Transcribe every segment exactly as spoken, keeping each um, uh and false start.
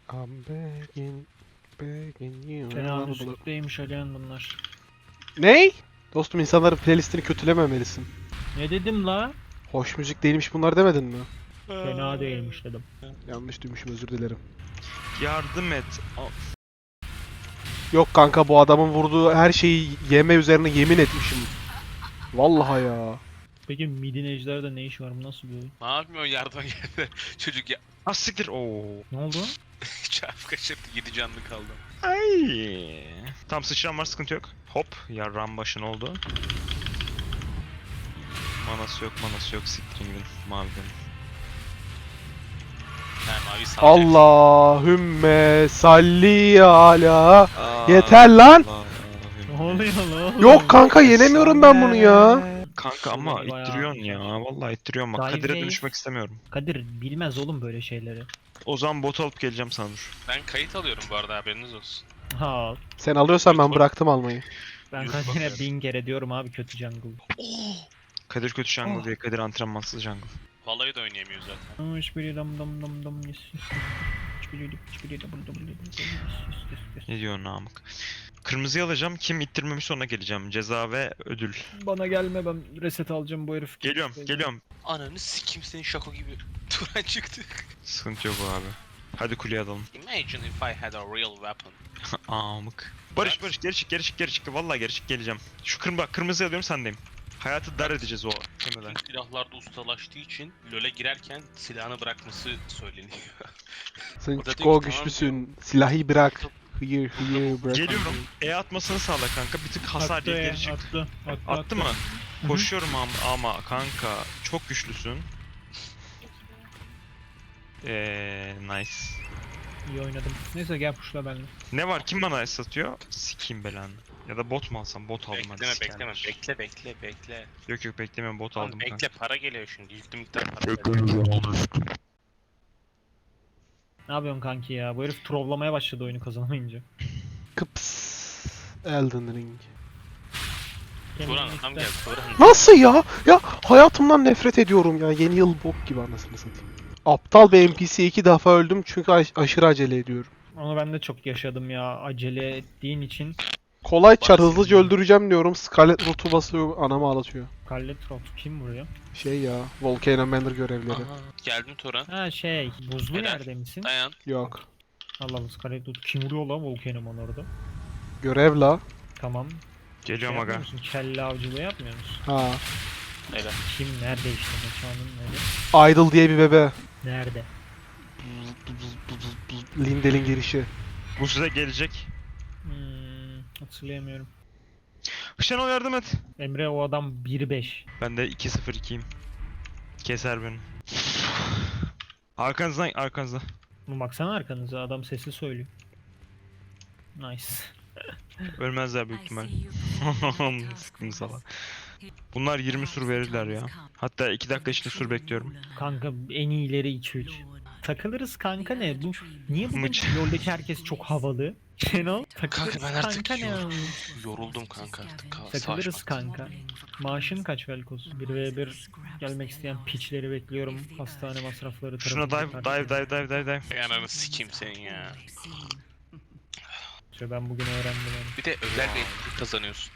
I'm begging, begging you. Tenasütteymiş Alihan bunlar. Ney? Dostum insanların playlistini kötülememelisin. Ne dedim la? Hoş müzik değilmiş bunlar demedin mi? Fena değilmiş dedim. Yanlış duymuşum, özür dilerim. Yardım et. Yok kanka, bu adamın vurduğu her şeyi yeme üzerine yemin etmişim. Vallahi ya. Peki midin ejderde ne işi var? Bu nasıl bir oyun? Ne yapmıyorsun yardıma geldi. Çocuk ya Ah siktir. Oo. Ne oldu? çarp kaçırdı, yedi canlı kaldı. Ay. Tam sıçran var, sıkıntı yok. Hop. Yarram başın oldu. Manası yok, manası yok. Siktirin gidin. Maviden. Ha, mavi salacak. Allahümme salli ala. Yeter lan. Ne oluyor lan? Yok kanka, yenemiyorum ben bunu ya. Kanka ama Bayağı- ittiriyorsun ya. Vallahi ittiriyorsun bak. Dive Kadir'e Wave. dönüşmek istemiyorum. Kadir bilmez oğlum böyle şeyleri. O zaman bot alıp geleceğim sana dur. Ben kayıt alıyorum bu arada, haberiniz olsun. Ha, Sen alıyorsan ben bıraktım almayı. ben Yok, Kadir'e bakıyorum. bin kere diyorum abi kötü jungle. Kadir kötü jungle Oh. diye. Kadir antrenmansız jungle. Vallahi da oynayamıyor zaten. Aa, hiçbiri dam dam dam dam yes yes yes. Hiçbiri hiçbiri double double double yes yes yes. Ne diyor namık? Kırmızıyı alacağım. Kim ittirmemiş sonra geleceğim. Ceza ve ödül. Bana gelme, ben reset alacağım bu herif. Geliyorum, geliyorum. Ananı sikim, senin şako gibi. Turan çıktı. Sıkıntı yok abi. Hadi kuleye alalım. Imagine if I had a real weapon. Amık. Barış Barış geri çık geri çık geri çık. Vallahi geri çık, geleceğim. Şu kırmızı bak, kırmızı alıyorum, sendeyim. Hayatı dar edeceğiz o temelen. Tüm silahlarda ustalaştığı için LoL'e girerken silahını bırakması söyleniyor. Sen O da çok diyor ki, güçlüsün. Silahı bırak. Hıyır hıyır bırak. Geliyorum. E atmasını sağla kanka. Bir tık hasar Attı diye ya, geri çık. attı, attı, Attı mı? Koşuyorum ama, ama kanka çok güçlüsün. Eee nice. İyi oynadım. Neyse gel pushla benimle. Ne var? Kim bana es atıyor? Sikeyim belanı. Ya da bot mu alsam? Bot aldım hadi. bekleme sikerler. bekleme, bekle bekle bekle. Yok yok beklemiyorum, bot Tamam, aldım bekle, kanka. para geliyor şimdi. Yüklü miktar para geliyor. Ne yapıyorsun kanki ya? Bu herif trollamaya başladı oyunu kazanamayınca. Kıps. Elden Ring. Turan adam geldi, Turan. Nasıl ya? Ya hayatımdan nefret ediyorum ya. Yeni yıl bok gibi, anasını satayım. Aptal bir N P C iki defa öldüm çünkü aş- aşırı acele ediyorum. Onu ben de çok yaşadım ya. Acele ettiğin için. Kolay çar, Bahsedeyim. hızlıca öldüreceğim diyorum. Scarlet Root'u basıyor, anamı ağlatıyor. Scarlet Rot kim vuruyor? Şey ya, Volcano Manor görevleri. Aha, geldim Turan. Ha şey, buzlu Helal. yerde misin? Dayan. Yok. Allah Allah, Scarlet Rot kim vuruyor lan Volcano orada? Görev la. Tamam. Geliyorum Şey aga. yapmıyor musun? Kelle avcılığı yapmıyor musun? Ha. Helal. Kim nerede işte, mekanın nerede? Idle diye bir bebe. Nerede? Lindel'in girişi. Bu size gelecek. Hmm, hatırlayamıyorum. Şenol yardım et. Emre o adam bir beş. Ben de iki sıfır ikiyim. Keser beni. Arkanızdan, arkanızda. Bu baksana arkanıza, adam sesi söylüyor. Nice. Ölmezler büyük ihtimal. Sıkıntı salak. Bunlar yirmi sur verirler ya. Hatta iki dakika içinde sur bekliyorum. Kanka en iyileri iki üç. Takılırız kanka ne? Bu niye bugün Mıç. LoL'deki herkes çok havalı? Şenol takılırız Kanka ben artık kanka ne? yor- yoruldum kanka artık. Ka- Takılırız savaş- kanka. Maaşın kaç Velkos? bir ve bir gelmek isteyen piçleri bekliyorum. Hastane masrafları Şuna tarafından dive, dive, karşılayın. dive, dive, dive, dive. Ay ananı sikeyim senin ya. İşte ben bugün öğrendim onu. Bir de özel bir etkinlik kazanıyorsun.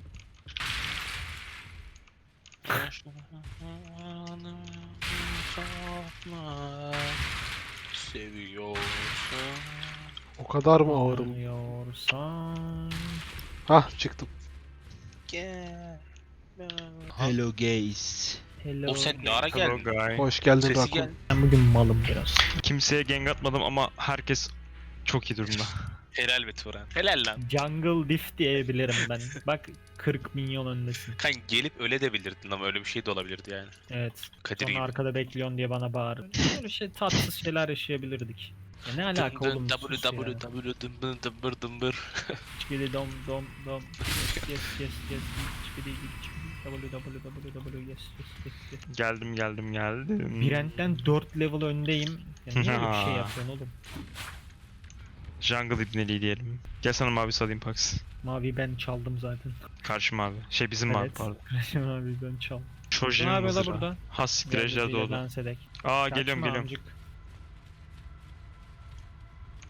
Seviyorsun. O kadar mı ağırım? Anlıyorsan... Hah, çıktım. Gel. Hello guys. Hello. O sen ne ara Hello geldin? guy. Hoş geldin Sesi Rakun. gel. Ben bugün malım biraz. Kimseye gank atmadım ama herkes çok iyi durumda. Helal be Turan. Helal lan. Jungle diff diyebilirim ben. Bak kırk milyon öndesin. Kan gelip öyle de bilirdin ama öyle bir şey de olabilirdi yani. Evet. Kadir Sonra gibi. arkada bekliyorsun diye bana bağır. Böyle şey tatsız şeyler yaşayabilirdik. Ya ne alaka Dın oğlum, dın, sus W ya. W W dımbır dımbır dımbır. Çikili dom dom dom. Yes yes yes yes. Çikili çikili. W W W W yes yes yes yes. Geldim, geldim, geldim. Brent'ten dört level öndeyim. Ya niye öyle bir şey Ha. yapıyorsun oğlum? Jungle ibneliği diyelim. Gel sana mavi salayım Pax. Mavi ben çaldım zaten. Karşı mavi. Şey bizim mavi Evet. pardon. Mavi ben çaldım. Ne Çocuğun yapıyor la mızrağı. burada? Has siktir ejder doğdu. Dans edek. Aa geliyorum Kaçma geliyorum. amcık.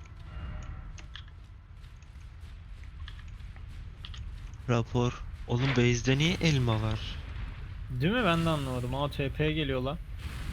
Rapor. Oğlum base'de niye elma var? Değil mi? Ben de anlamadım. A T P geliyor lan.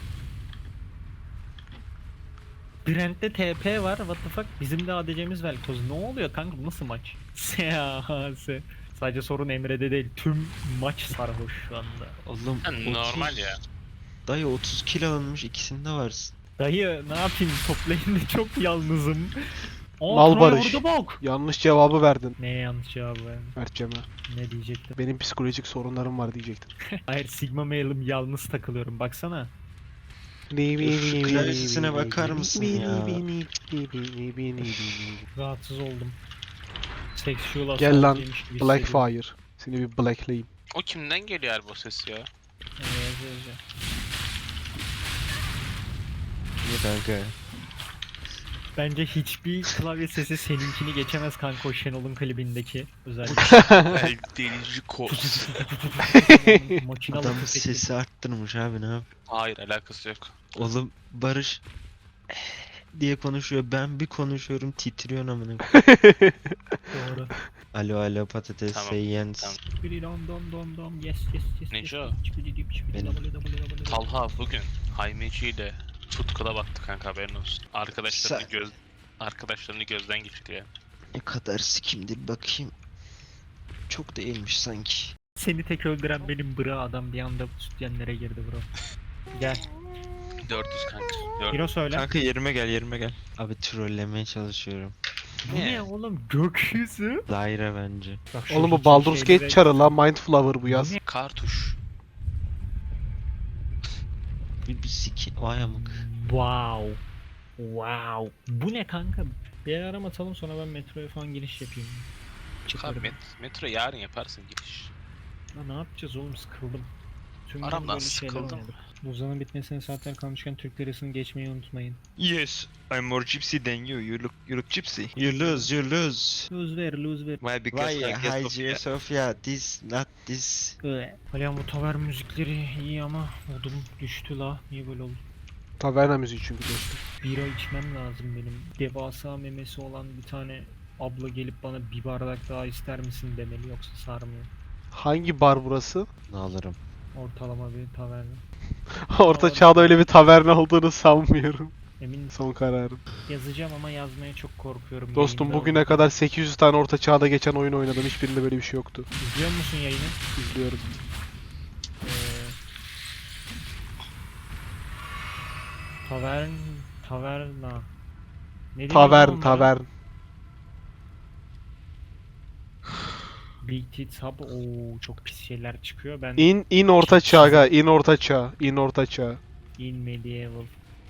Brent'te T P var. What the fuck? Bizim de A D C'miz Velkoz. Ne oluyor kanka? Bu nasıl maç? S. Sadece sorun Emre'de değil. Tüm maç sarhoş şu anda. Oğlum Ha, normal otuz ya. Dayı otuz kilo alınmış, ikisinde varsın. Dayı ne yapayım? Toplayınca çok yalnızım. Aa, Mal Troy barış. orada bak. Yanlış cevabı verdin Neye yanlış cevabı verdim? Mertcem'e. Ne diyecektim? Benim psikolojik sorunlarım var diyecektin. Hayır, Sigma mailim yalnız takılıyorum. Baksana. Şu klavyesine bakar mısın ya? Rahatsız oldum. Sexual Gel lan, assault yemiş gibi hissediyorum. Blackfire. Seni bir blackleyeyim. O kimden geliyor her bu ses ya? Evet, evet, evet. Niye kanka? Bence hiçbir klavye sesi seninkini geçemez kanka, o Şenol'un klibindeki özellikle. Ay, delici kos. Makinalı Adam tüfekli. sesi arttırmış abi, ne yap? Hayır, alakası yok. Oğlum Barış diye konuşuyor. Ben bir konuşuyorum, titriyor amına. Doğru. Alo alo patates, Tamam, say yes. tamam. Biri dom dom dom dom yes yes yes. Neco? yes, çipidi dip, çipidi Benim. dabılı dabılı dabılı. Talha bugün Haymeci ile tutkula baktı kanka, haberin olsun. Arkadaşlarını Sa- göz arkadaşlarını gözden geçirdi ya. Ne kadar sikimdir bakayım. Çok değilmiş sanki. Seni tek öldüren benim bra adam bir anda sütyenlere girdi bro. Gel. dört yüz kanka. dört Hiro söyle. Kanka yerime gel yerime gel. Abi trollemeye çalışıyorum. Bu ne oğlum, gökyüzü? Lyra bence. Bak şu Oğlum bu hiç Baldur's şeyleri- Gate çarı lan, Mindflower bu yaz. Bu ne? Kartuş. Bir, bir siki... Vay amık. Wow. Wow. Bu ne kanka? Bir aram atalım, sonra ben metroya falan giriş yapayım. Çıkar Çıkarım. met metro yarın yaparsın giriş. Ya ne yapacağız oğlum, sıkıldım. Tüm gün Aramdan böyle şeyler sıkıldım. oynadık. Buzdanın bitmesine saatler kalmışken Türk lirasını geçmeyi unutmayın. Yes, I'm more gypsy than you. You look you look gypsy. You lose, you lose. Lose ver, lose ver. Why? Because Why I guess of Hacı Sofia, this, not this. Hala bu tavern müzikleri iyi ama modum düştü la. Niye böyle oldu? Taverna müziği çünkü dostum. Bira içmem lazım benim. Devasa memesi olan bir tane abla gelip bana bir bardak daha ister misin demeli, yoksa sarmıyor. Hangi bar burası? Ne alırım? Ortalama bir taverna. Orta çağda öyle bir taverna olduğunu sanmıyorum. Emin Son kararım. yazacağım ama yazmaya çok korkuyorum. Dostum yayında. bugüne kadar sekiz yüz tane orta çağda geçen oyun oynadım. Hiçbirinde böyle bir şey yoktu. İzliyor musun yayını? İzliyorum. Ee, tavern, taverna. Ne deniyor Tavern, onlara? tavern. Big Tits Hub. Oo, çok pis şeyler çıkıyor. Ben İn, in orta çağ ga, in orta çağ, in orta çağ. in medieval.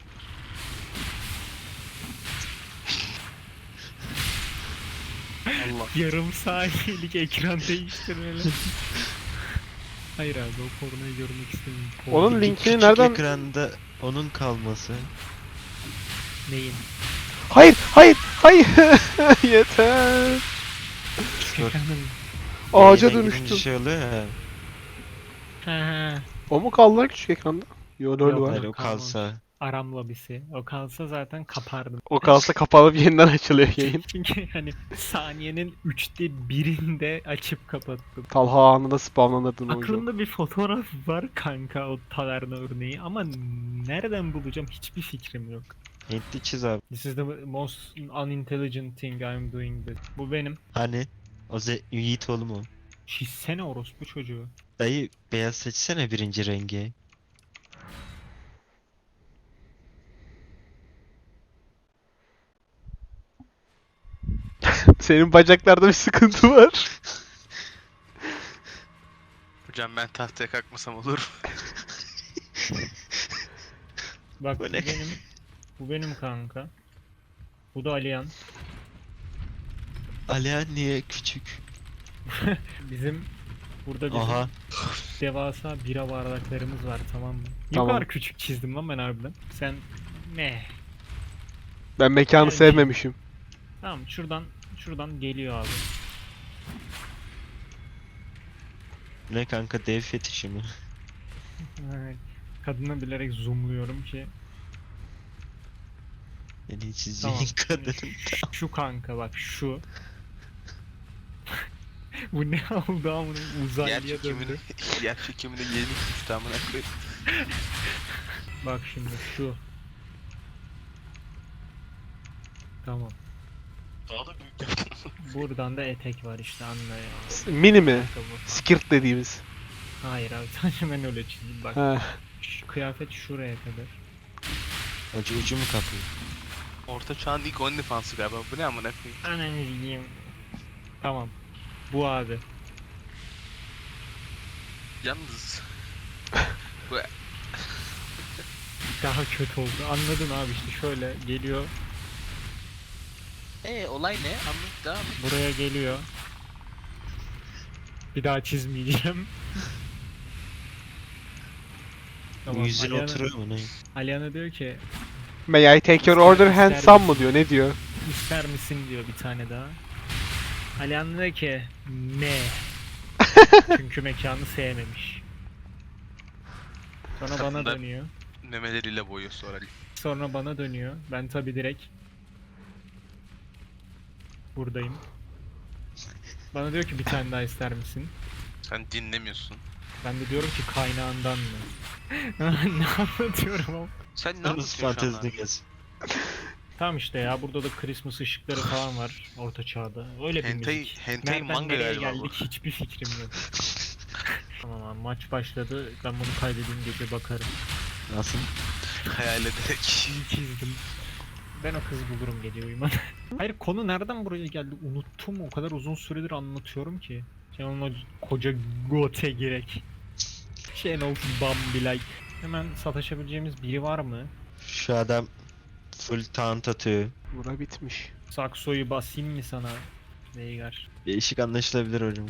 Allah. Yarım saniyelik ekran değiştirmeli. Hayır abi, o pornoyu görmek istemiyorum. Onun Porno- linkini Küçük nereden... ekranda onun kalması. Neyin? Hayır, hayır, hayır. Yeter. Dur. Ekranın. Ağaca Yayına girince dönüştüm. şey oluyor ya. Ha ha. O mu kaldı lan küçük ekranda? Yo lol Yok, var. Hayır o kalmamış. kalsa. Aram lobisi. O kalsa zaten kapardım. O kalsa kapalıp yeniden açılıyor yayın. Çünkü hani saniyenin üçte birinde açıp kapattım. Talha anında spamlanırdın oyuncu. Aklımda bir fotoğraf var kanka, o taverna örneği, ama nereden bulacağım hiçbir fikrim yok. Hintli çiz abi. This is the most unintelligent thing I'm doing this. Bu benim. Hani? O ze Yiğit oğlum o. Çizsene orospu çocuğu. Dayı beyaz seçsene birinci rengi. Senin bacaklarda bir sıkıntı var. Hocam ben tahtaya kalkmasam olur. Bak Bu bu ne? benim. Bu benim kanka. Bu da Aliyan. Alihan niye küçük? Bizim burada bizim Aha. devasa bira bardaklarımız var, tamam mı? Ne Tamam. kadar küçük çizdim lan ben harbiden. Sen ne? Ben mekanı Yani- sevmemişim. Tamam, şuradan şuradan geliyor abi. Ne kanka, dev fetişi mi? Evet. Kadını bilerek zoomluyorum ki. Yani çizeceğin Tamam. kadın. Şu kanka, bak şu. Bu ne oldu amına Yer uzaylıya çekimini, döndü. yer çekimini yeni tuttu amına koyayım. Bak şimdi şu. Tamam. Daha da büyük yaptın. Buradan da etek var işte anla ya. Mini mi? Ayakkabı. Skirt dediğimiz. Hayır abi sadece ben öyle çizdim bak. He. Şu kıyafet şuraya kadar. Acı ucu mu kapıyor? Orta çağın ilk OnlyFans'ı galiba. Bu ne amına koyayım? Ananı diyeyim. Tamam. Bu abi. Yalnız Daha kötü oldu. Anladın abi işte şöyle geliyor. Eee olay ne? Anlat devam et. Buraya geliyor. Bir daha çizmeyeceğim. Bu yüzüne Aliana- oturuyor mu ne? Aliana diyor ki May I take your order handsome mı diyor, ne diyor? ister misin diyor bir tane daha. Aliana diyor ki ne? Çünkü mekanı sevmemiş. Sonra bana Aslında- dönüyor. Memeleriyle boyuyor sonra. Sonra bana dönüyor. Ben tabi direkt buradayım. Bana diyor ki bir tane daha ister misin? Sen dinlemiyorsun. Ben de diyorum ki kaynağından mı? Ne anlatıyorum ama. Sen ne Yalnız anlatıyorsun şu anda? fantezide gez. Tamam işte ya burada da Christmas ışıkları falan var orta çağda. Öyle bir Hentai, müzik. hentai Nereden manga nereye galiba bu. geldik hiçbir fikrim yok. Tamam abi maç başladı. Ben bunu kaydedeyim gece bakarım. Nasıl? Hayal ederek. İyi çizdim. Ben o kızı bulurum gece uyumadan. Hayır konu nereden buraya geldi unuttum o kadar uzun süredir anlatıyorum ki. Sen onunla koca gote gerek. Şenol Bambi like. Hemen sataşabileceğimiz biri var mı? Şu adam full taunt atıyor. Bura bitmiş. Saksoyu basayım mı sana? Veigar. Değişik anlaşılabilir hocam.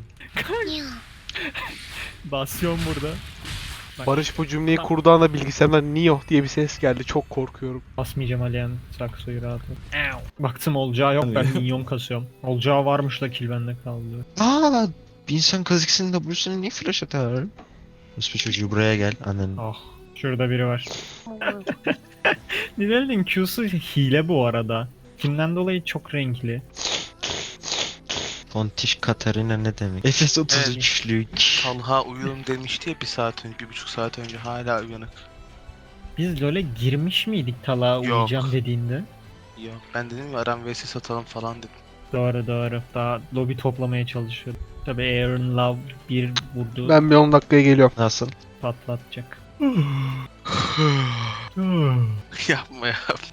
Basıyorum burada. Bak, Barış bu cümleyi Tamam. kurduğu anda bilgisayardan Nioh diye bir ses geldi. Çok korkuyorum. basmayacağım Aliyan Saksoyu rahat ol. Baktım olacağı yok ben minyon kasıyorum. Olacağı varmış da kill bende kaldı. Aa, bir insan kazıksının W'sunu niye flash atar? Nasıl çocuğu buraya gel annen. Ah şurada biri var. Nidalee'nin Q'su hile bu arada. Kimden dolayı çok renkli. Fontiş Katarina ne demek? Efes otuz üçlük. Talha uyuyorum demişti ya bir saat önce, bir buçuk saat önce hala uyanık. Biz LoL'e girmiş miydik Talha Yok. uyuyacağım dediğinde? Yok ben dedim ya Aram V S satalım falan dedim. Doğru doğru. Daha lobi toplamaya çalışıyordum. Tabi Aaron Love bir vurdu Ben bir on dakikaya geliyorum. Nasıl? patlatacak. Yapma ya.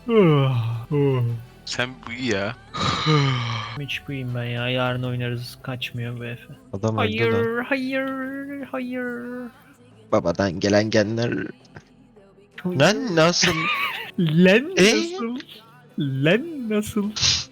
Sen bu iyi ya. Hiç buyum ben ya. Yarın oynarız. Kaçmıyor bu Efe. Adam öldü lan. Hayır, hayır, hayır. Babadan gelen genler. Lan nasıl? Len Ee? nasıl? Len nasıl?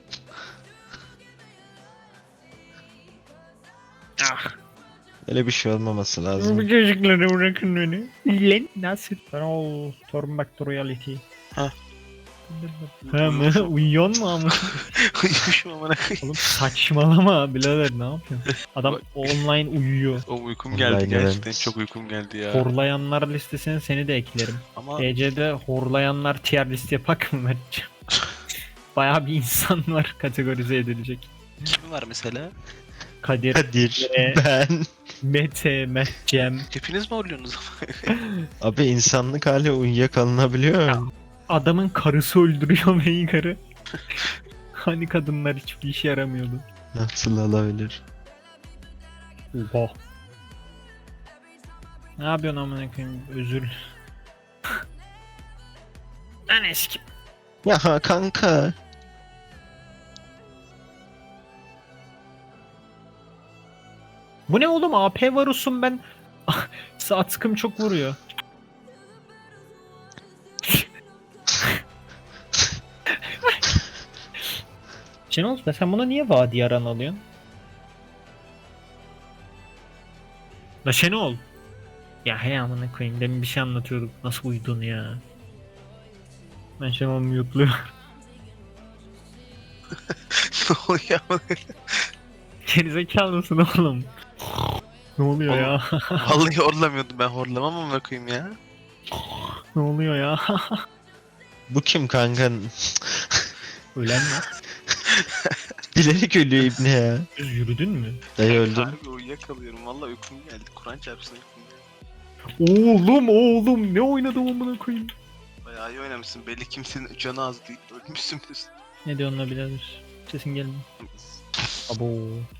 Ah. Öyle bir şey olmaması Bu lazım. çocukları bırakın beni. Len nasıl? Ben o turn back to reality. Ha. Ha mı? Uyuyor mu ama? Uyumuşum amına koyayım. Oğlum saçmalama birader ne yapıyorsun? Adam online uyuyor. O uykum Online geldi gerçekten evet. çok uykum geldi ya. Horlayanlar listesine seni de eklerim. Ama E C'de horlayanlar tier list yapak mı Mertcan? Bayağı bir insan var kategorize edilecek. kim var mesela? Kadir, Kadir, Ee? ben. Mete, Mertcem. Hepiniz mi horluyorsunuz? Abi insanlık hali uyuyakalınabiliyor. Adamın karısı öldürüyor Veigar'ı. Hani kadınlar hiçbir işe yaramıyordu. Nasıl olabilir? Oha. Ne yapıyorsun amına koyayım? Özür. Lan eski. Ya kanka. Bu ne oğlum? A P Varus'um ben. Sağ tıkım çok vuruyor. Şenol sen buna niye vadi yaran alıyorsun? La Şenol. Ya hey amına koyayım demin bir şey anlatıyorduk. Nasıl uyudun ya? Ben Şenol'u mute'luyorum. ne oluyor amına? Gerizekalı mısın oğlum? Ne oluyor Oğlum. ya? Vallahi horlamıyordum ben horlamam amına koyayım ya. Ne oluyor ya? Bu kim kanka? Ölen mi? Bilerek ölüyor ibne ya. Düz yürüdün mü? Dayı öldüm. Harbi uyuyakalıyorum. Valla uykum geldi. Kur'an çarpsın uykum geldi. Oğlum oğlum ne oynadım amına koyayım. Bayağı iyi oynamışsın. Belli kimsenin canı az değil. Ölmüşsünüz. Ne diyorsun la birader? Sesin gelmiyor. Abo.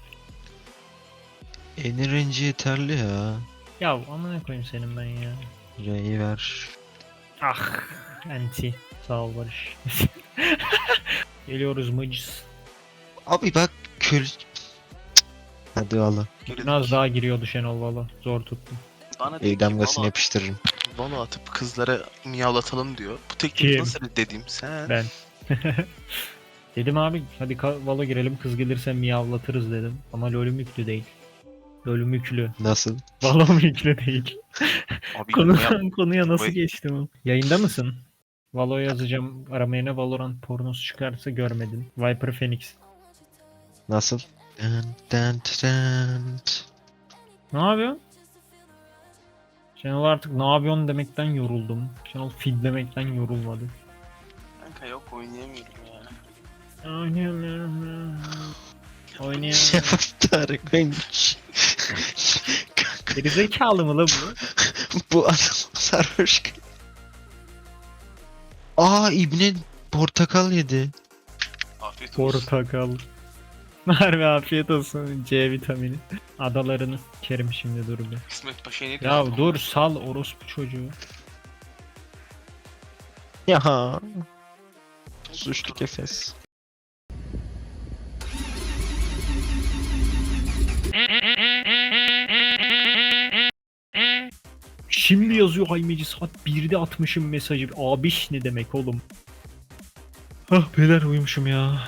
Enerji yeterli ya. Ya amına koyayım senin ben ya. R'yi ver. Ah anti. Sağ ol Barış. Geliyoruz mıcız. Abi bak kül... Cık. Hadi valla. Biraz daha giriyordu Şenol valla. Zor tuttum. Bana dedi El ki damgasını valo, yapıştırırım. valo atıp kızlara miyavlatalım diyor. Bu tekniği Kim? nasıl dediğim sen. Ben. Dedim abi hadi ka- Valo girelim kız gelirse miyavlatırız dedim. Ama LoL'üm yüklü değil. LoL'üm yüklü. Nasıl? Valo'm yüklü değil. Abi Konu, ya, konuya nasıl Vay. geçtim o? Yayında mısın? Valo yazacağım. Aramaya ne Valorant pornosu çıkarsa görmedin. Viper Phoenix. Nasıl? Dın dın dın. Ne yapıyorsun? Şenol artık ne yapıyorsun demekten yoruldum. Şenol feed demekten yorulmadı. kanka yok oynayamıyorum ya. Oynayamıyorum. Şey Oynayamıyorum. Tarık ben... Gerizekalı mı la bu? Bu adam sarhoş. Aa ibne portakal yedi. Afiyet olsun. Portakal. Harbi afiyet olsun C vitamini. Adalarını kerim şimdi dur bir. İsmet Paşa'ya ne Ya diyorsun? dur sal orospu çocuğu. Ya. Suçlu kefes. Şimdi yazıyor Haymeci saat birde atmışım mesajı. Abiş ne demek oğlum? Ah beyler uyumuşum ya.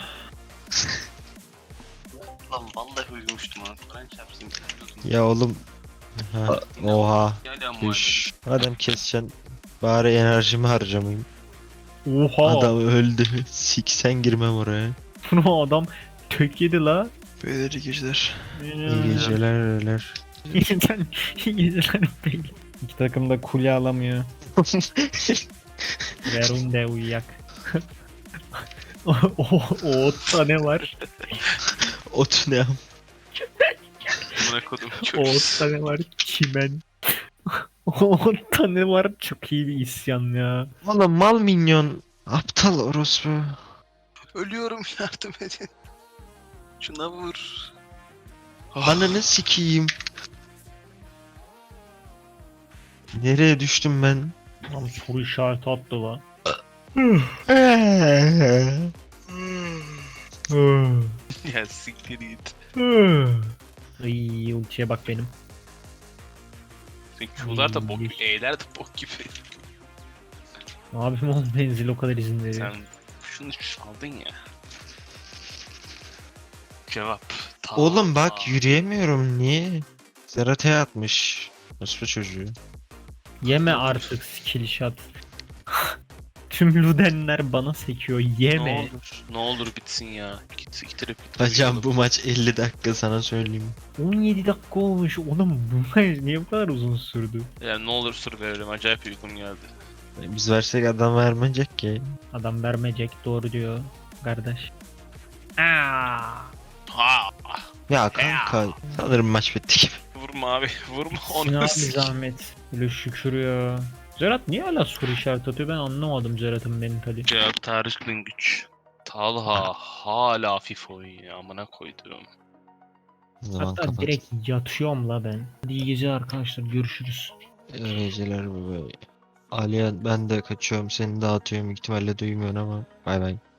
Lan vallahi uyumuştum ha. Kur'an çarpsın. Ya oğlum. Ha, oha. Hala muayene. Üş. Adam keseceksin. Bari enerjimi harcamayayım. Oha. Adam öldü. Siksen girmem oraya. Bunu adam tök yedi la. Böyle geceler. İyi geceler öyleler. İyi geceler. İyi geceler beyler. İki takım da kulye alamıyor. Verun de uyuyak. o, o, o otta ne var? Ot ne? Amına kodum O çok. otta ne var? Çimen. O otta ne var? Çok iyi bir isyan ya. Oğlum mal minyon. Aptal orospu. Ölüyorum yardım edin. Şuna vur. Ananı sikeyim. Nereye düştüm ben? Lan soru işareti attı la. Ya siktir git. Iy, ultiye bak benim. Senin Q'lar da bok Hmm. gibi, E'ler de bok gibi. Ne yapayım oğlum benzil o kadar izin veriyor. Sen şunu çaldın ya. Cevap. Ta- Oğlum bak yürüyemiyorum niye? Zerata'ya atmış. Orospu çocuğu. Yeme artık skill shot. Tüm Ludenler bana sekiyor. Ne Yeme. olur, ne olur bitsin ya. Git siktirip git. Hocam bu maç elli dakika sana söyleyeyim. on yedi dakika olmuş. Oğlum bu maç niye bu kadar uzun sürdü? Yani ne olur sır verelim. Acayip uykum geldi. Biz versek adam vermeyecek ki. Adam vermeyecek doğru diyor kardeş. Aa. Ha! Ya kanka sanırım maç bitti gibi. Vurma abi. Vurma Ne onu. abi zahmet. Böyle şükür ya. Zerat niye hala soru işareti atıyor ben anlamadım Zerat'ın mentali. Cevap Tarık'ın güç. Talha hala hafif oynuyor. Amına koydum. O zaman Hatta kapat. direkt yatıyorum la ben. Hadi iyi geceler arkadaşlar görüşürüz. İyi geceler baba. Aliye ben de kaçıyorum seni dağıtıyorum ihtimalle duymuyorsun ama bay bay.